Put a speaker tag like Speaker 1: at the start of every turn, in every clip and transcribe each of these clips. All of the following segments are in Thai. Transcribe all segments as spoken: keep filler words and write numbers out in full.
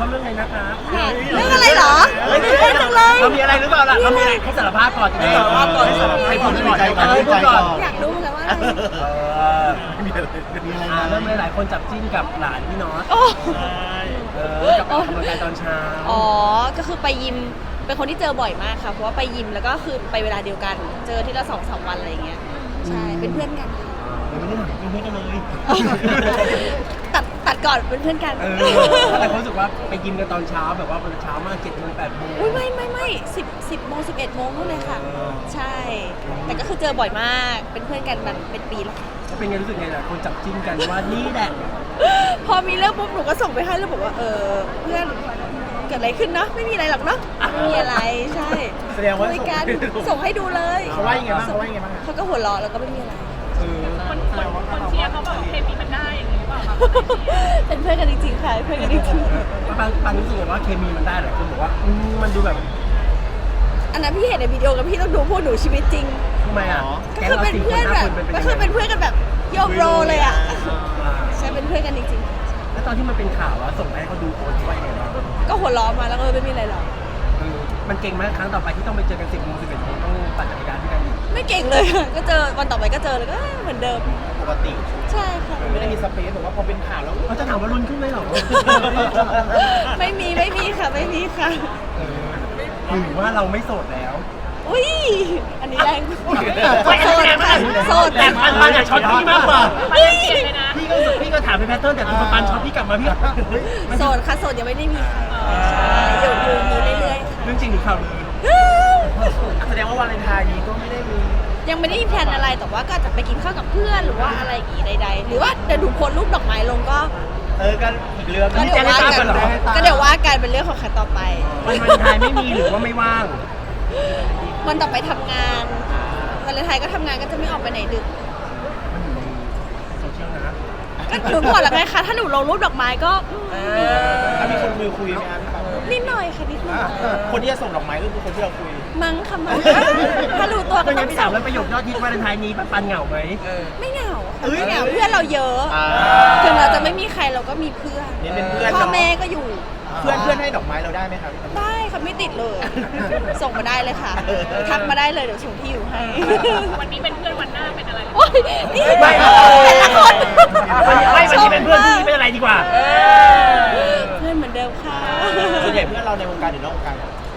Speaker 1: เขาเรื่องอะไรนะคะ
Speaker 2: เรื่องอะไรเหรอไม่ได้จังเลย
Speaker 1: เรามีอะไรหรือเปล่าล่ะเรามีอะไรให้สารภาพก่อนจะได้สารภาพก่อนให้พูดก่อนให้พูดก่อน
Speaker 2: อยากรู้เหมือนกันว่าอะไร
Speaker 1: เออมีอะไรมีอะไรเริ่มเลยหลายคนจับจิ้นกับหลานพี่น็อต
Speaker 2: โอ้
Speaker 1: เออกับออกกำลังกายตอนเช้า
Speaker 2: อ๋อก็คือไปยิมเป็นคนที่เจอบ่อยมากค่ะเพราะว่าไปยิมแล้วก็คือไปเวลาเดียวกัน เจอที่ละสองสามวันอะไรอย่างเงี้ยใช่เป็นเพื่อนกันค่ะ
Speaker 1: เราไม่ได้หนักเป็นเพื่อนกันเลย
Speaker 2: ตัดตัดก่อนเป็นเพื่อนกัน
Speaker 1: เออแต่คนรู้สึกว่าไปยิมกันตอนเช้าแบบว่ามันเช้ามากเจ็ดโมงแปดโมง
Speaker 2: อุ้ยไม่ไม่ไม่สิบสิบโมงสิบเอ็ดโมงนู่นเลยค่ะ
Speaker 1: เออ
Speaker 2: ใช่ แต่ก็คือเจอบ่อยมากเป็นเพื่อนกันมันเป็นปีแล้วค่ะ
Speaker 1: แล้วเป็นไงรู้สึกไงล่ะคนจับจิ้นกันว่านี่แหละ
Speaker 2: พอมีเรื่องปุ๊บหนูก็ส่งไปให้แล้วบอกว่าเออเพื่อนเกิดอะไรขึ้นเนาะไม่มีอะไรหรอกเนาะไม่มีอะไรใช่
Speaker 1: แสดงว่า
Speaker 2: คุยกันส่งให้ดูเลย
Speaker 1: เขาว่ายังไงบ้างเขาว่ายังไงบ้าง
Speaker 2: เขาก็หัวเราะแล้วก็ไม่มีอะไร
Speaker 1: เออ
Speaker 3: คนคนคนเชียร์เขาบอกเคมีมันได้อย่างนี้หรือเปล่าคะ
Speaker 2: เป็นเพื่อนกันจริงๆค่ะเพื่อนกันจริง
Speaker 1: บางบางรู้สึกว่าเคมีมันได้หลายคนบอกว่าอืมมันดูแบบ
Speaker 2: ๆอันนั้นพี่เห็นในวิดีโอกับพี่ต้องดูพวกหนูชีวิตจริง
Speaker 1: ทำไมอ่ะ
Speaker 2: ก็คือเป็นเพื่อนแบบก็คือเป็นเพื่อนกันแบบโยมโรเลยอ่ะใช่เป็นเพื่อนกันจริง
Speaker 1: แล้วตอนที่มันเป็นข่าวว่าส่งไปให้เขาดูโพสต์ว่ายังไงบ้าง
Speaker 2: ๆก็หัวเราะมาแล้วก็เออไม่มีอะไรหรอก
Speaker 1: เออมันเก่งไหมครั้งต่อไปที่ต้องไปเจอกันสิบโมงสิบเอ็ดโมงต้องปั่นจักรยานด้วยกันอีก
Speaker 2: ไม่เก่งเลยค่ะก็เจอวันต่อไปก็เจอเลยก็เหมือนเดิม
Speaker 1: ปกติ
Speaker 2: ใช่ค่ะ
Speaker 1: ไม่ได้มีสเปซแบบว่าพอเป็นข่าวแล้วเขาจะถามว่ารุนขึ้นไหมหรอ
Speaker 2: ไม่มีไม่มีค่ะไม่มีค่ะ
Speaker 1: เออหรือว่าเราไม่โสดแล้ว
Speaker 2: อุ้ยอันนี้แรงโสดค่ะโสด
Speaker 1: แต่ปันปันอยากช็อตพี่มากกว่า
Speaker 3: มันยังเปลี่ยนเลยนะ
Speaker 1: พี่ก็พี่ก็ถามเป็นแพทเทิร์นแต่คุณปันช็อตพี่กลับมาพี่ก็เฮ้ยมัน
Speaker 2: โสดค่ะโสดยังไม่ได้มีใครใช่อยู่อยู่อย่างนี้เรื่อยๆค่ะ
Speaker 1: เรื่องจริงหรือข่าวลือแสดงว่าวาเลนไทน์นี้ก็ไม่ได้มี
Speaker 2: ยังไม่ได้มีแพลนอะไรแต่ว่าก็อาจจะไปกินข้าวกับเพื่อนหรือว่าอะไรอย่างงี้ใดๆหรือว่าเดี๋ยวดูโพสต์รูปดอกไม้ลงก็
Speaker 1: เออกันอีกเรื่อง
Speaker 2: ก็เดี๋ยวว่ากันก็เดี๋ยวว่ากันเป็นเรื่องของใครต่อไป
Speaker 1: วันวาเลนไทน์ไม่มีหรือว่าไม่ว่าง
Speaker 2: วันต่อไปทำงานวันเลนไทยก็ทำงานก็จะไม่ออกไปไหนดึก
Speaker 1: มันอยู่ในโซเชียลนะ
Speaker 2: ก็หนูบอกแล้วไงคะถ้าหนูลงรูปดอกไม้ก็
Speaker 1: ถ้ามีคนมือคุยไหมครับ
Speaker 2: นิดหน่อยค่ะนิดหน่อย
Speaker 1: คนที่จะส่งดอกไม้ก็คือคนที่เราคุย
Speaker 2: มั้งค่ะมั้งถ้ารู้ตัวก็
Speaker 1: เป็นไง
Speaker 2: ต้อง
Speaker 1: พี่
Speaker 2: ส่
Speaker 1: ถาม
Speaker 2: ง
Speaker 1: แล้วประโยคยอดฮิตวาเลนไทน์นี้ปันเหงาไหม
Speaker 2: ไม่เหงาค่ะไม่เหงาเพื่อนเราเยอะถึงเราจะไม่มีใครเราก็มีเพื่อน
Speaker 1: นี่เป็นเพื่อน
Speaker 2: พ่อแม่ก็อยู่
Speaker 1: เพื่อนเพื่อนให้ดอกไม้เราได้ไหมครับ
Speaker 2: ได้ค่ะไม่ติดเลย ส่งมาได้เลยค่ะ ทักมาได้เลยเดี๋ยวส่งที่อยู่ให้
Speaker 3: วันนี้เป็นเพื่อนวันหน้าเป็นอะไร
Speaker 2: โอ้ยนี่
Speaker 1: ไม่
Speaker 2: แต่ละคน
Speaker 1: ไม่วันนี้เป็นเพื่อนที่เป็นอะไรดีกว่า
Speaker 2: เพื่อนเหมือนเดิมค่ะ
Speaker 1: ส่วนใหญ่เพื่อนเราในวงการหรือนอกวงการ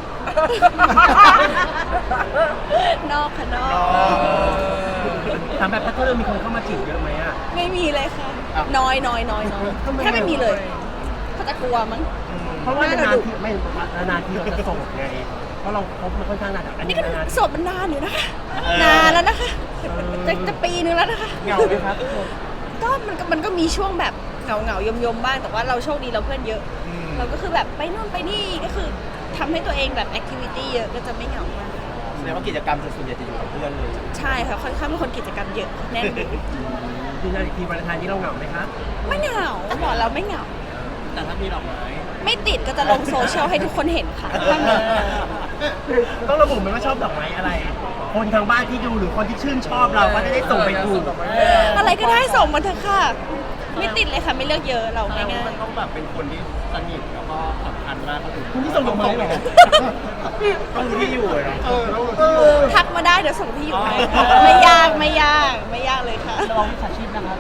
Speaker 2: นอกค่ะนอก
Speaker 1: ถามแบบแพทเทิร์นมีคนเข้ามาจีบเยอะไหมอ่ะ
Speaker 2: ไม่มีเลยค่ะ น้อยน้อยน้อยน้อย
Speaker 1: ทำไม
Speaker 2: แค่ไม่มีเลยเขาจะกลัวมั้ง
Speaker 1: เพราะว่านานๆทีไม่นานๆทีเราจะส่งไง เพราะเราคบมันค่อนข้างนานอัน
Speaker 2: อัน
Speaker 1: นี้
Speaker 2: นี้ก็
Speaker 1: นาน
Speaker 2: โสดมันนานอยู่นะคะ นานแล้วนะคะ จะจะปีนึงแล้วนะคะ
Speaker 1: เหงาไหมครับ
Speaker 2: ก็มันก็มันก็มีช่วงแบบเหงาเหงายมยมๆบ้าง แต่ว่าเราโชคดีเราเพื่อนเยอะ เราก็คือแบบไปนู่นไปนี่ก็คือทำให้ตัวเองแบบแอคทิวิตี้เยอะก็จะไม่เหงามาก
Speaker 1: แสดงว่ากิจกรรมส่วนใหญ่จะอยู่กับเพื่อนเลย
Speaker 2: ใช่ค่ะค่อนข้างเป็นคนกิจกรรมเยอะแน่น
Speaker 1: ยืนยันอีกทีวาเลนไทน์นี้เราเหงาไหมคะ
Speaker 2: ไม่เหงาบอกเราไม่เหงา
Speaker 1: แต่ถ้ามีดอกไม้
Speaker 2: ไม่ติดก็จะลงโซเชียลให้ทุกคนเห็นค่ะถ้ามี
Speaker 1: ต้องระบุไหมว่าชอบดอกไม้อะไร คนทางบ้านที่ดูหรือคนที่ชื่นชอบเราก็จะได้ส่งไปถูก
Speaker 2: อะไรก็ได้ส่งมาเถอะค่ะ ไม่ติดเลยค่ะไม่เลือกเยอะเราง่าย
Speaker 1: มันต้องแบบเป็นคนที่สนิทแล้วก็สำคัญมากก็คือคุณที่ส่งดอกไม้เหรอต้องรู้ที่อยู่เลยเนาะ
Speaker 2: ๆทักมาได้เดี๋ยวส่งที่อยู่ให้ค่ะไม่ยากไม่ยากไม่ยากเลยค่ะ
Speaker 1: ลองวิชาชีพนะครับ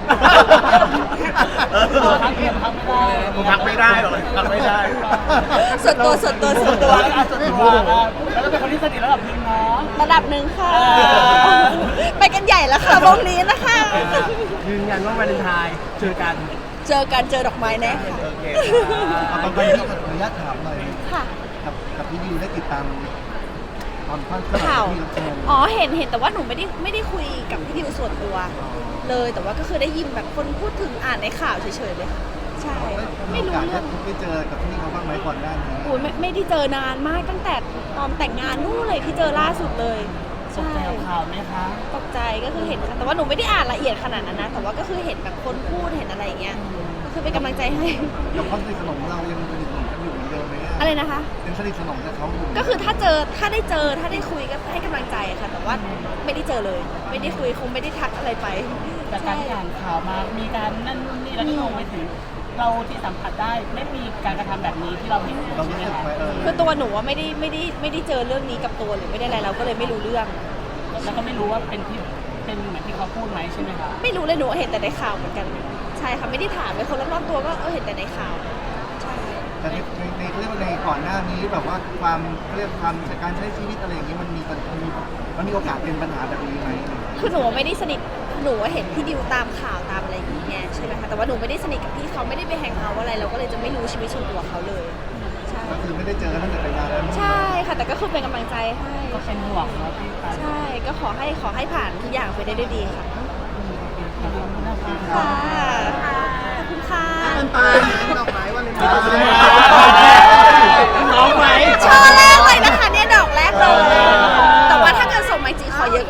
Speaker 1: ทักเพียงทักไม่ได้ผมทักไม่ได้หรอกทักไม่ได้
Speaker 2: ส่วนตัวส่วนตัวส่วนตัว
Speaker 1: แล้วก็เป็นคนที่สนิทระดับนึงเนาะ
Speaker 2: ระดับหนึ่งค่ะ ไปกันใหญ่แล้วค่ะวงนี้นะคะ
Speaker 1: ยืนยันว่าวาเลนไทน์เจอกัน
Speaker 2: เจอกันเจอดอกไม้แน่ค่ะ
Speaker 1: โอเค
Speaker 4: เอาตอนนี้ขออนุญาตถามหน่อย
Speaker 2: ค่ะ
Speaker 4: กับกับพี่ดิวได้ติดตามความเคลื่อนไหว
Speaker 2: ข่าว
Speaker 4: ที่เราเจอ
Speaker 2: อ๋อเห็นเห็นแต่ว่าหนูไม่ได้ไม่ได้คุยกับพี่ดิวส่วนตัว เลยแต่ว่าก็คือได้ยินแบบคนพูดถึงอ่านในข่าวเฉยๆเลยค่ะใช่
Speaker 4: ไม่
Speaker 2: ไม่
Speaker 4: รู้
Speaker 2: รู้
Speaker 4: เรื่
Speaker 2: เรื่
Speaker 4: อ
Speaker 2: อง ง
Speaker 4: ได้เจอกับพี่เขาบ้างไหมก่อนหน้านี้
Speaker 2: โอ้ยไม่ไม่ได้เจอนานมากตั้งแต่ตอนแต่งงานนู่นเลยที่เจอล่าสุดเลยใช่
Speaker 1: ข่าวไหมคะ
Speaker 2: ตกใจก็คือเห็นค่ะแต่ว่าหนูไม่ได้อ่านละเอียดขนาดนั้นนะแต่ว่าก็คือเห็นแบบคนพูดเห็นอะไรอย่างเงี้ยก็คือเป็นกำลังใจให้
Speaker 4: กับความสนิทสนมเรายังสนิทสนมกันอยู่เหมือนเดิมไหม
Speaker 2: อะไรนะคะ
Speaker 4: ยังสนิทสนมกับเขาอยู่
Speaker 2: ก็คือถ้าเจอถ้าได้เจอถ้าได้คุยก็ให้กำลังใจค่ะ แต่ว่าไม่ได้เจอเลย ไม่ได้คุยคงไม่ได้ทักอะไรไป
Speaker 5: จากการที่อ่านข่าวมา มีการนั่นนู่นนี่แล้วก็ลงไปถึงเราที่สัมผัสได้ไม่มีการกระทำแบบนี้ที่เราเห็น
Speaker 4: เรา
Speaker 5: ใช่
Speaker 4: รู้
Speaker 5: ไหม
Speaker 4: สึก
Speaker 5: คะ
Speaker 4: ไหมเออ
Speaker 2: คือตัวหนูว่าไม่ได้ไม่ได้ไม่ได้เจอเรื่องนี้กับตัวหรือไม่ได้อะไรเราก็เลยไม่รู้เรื่อง
Speaker 5: แล้วก็ไม่รู้ว่าเป็นที่เป็นเหมือนที่เขาพูดไหมใช่ไหมคะ
Speaker 2: ไม่รู้เลยหนูเห็นแต่ในข่าวเหมือนกัน ใช่ค่ะไม่ได้ถามเลยคนรอบๆตัวก็เออเห็นแต่ในข่าวใช่
Speaker 4: แต่ในในในเขาเรียกว่าในก่อนหน้านี้แบบว่าความเขาเรียกความการใช้ชีวิตอะไรอย่างนี้มันมีมันมีมันมีโอกาสเป็นปัญหาแบบนี้ไหม
Speaker 2: คือหนูไม่ได้สนิทหนูเห็นพี่ดิวตามข่าวตามอะไรอย่างเงี้ยใช่ไหมคะแต่ว่าหนูไม่ได้สนิทกับพี่เขาไม่ได้ไปแฮงเอาท์อะไรเราก็เลยจะไม่รู้ชีวิตส่วนตัวเขาเลยใช่
Speaker 4: ก็คือไม่ได้เจอกันตั้งแต่แต่งงานแล้ว
Speaker 2: ใช่ค่ะแต่ก็คือเป็นกำลังใจให้
Speaker 5: ก็เป็นห่วงเนาะพี่ปา
Speaker 2: ใช่ก็ขอให้ขอให้ผ่านทุกอย่างไปได้ด้วยดีค่ะ
Speaker 5: ขอบคุณนะคะ
Speaker 2: ค่ะขอบคุณค่ะ
Speaker 4: มันตายดอกไม้วันเลย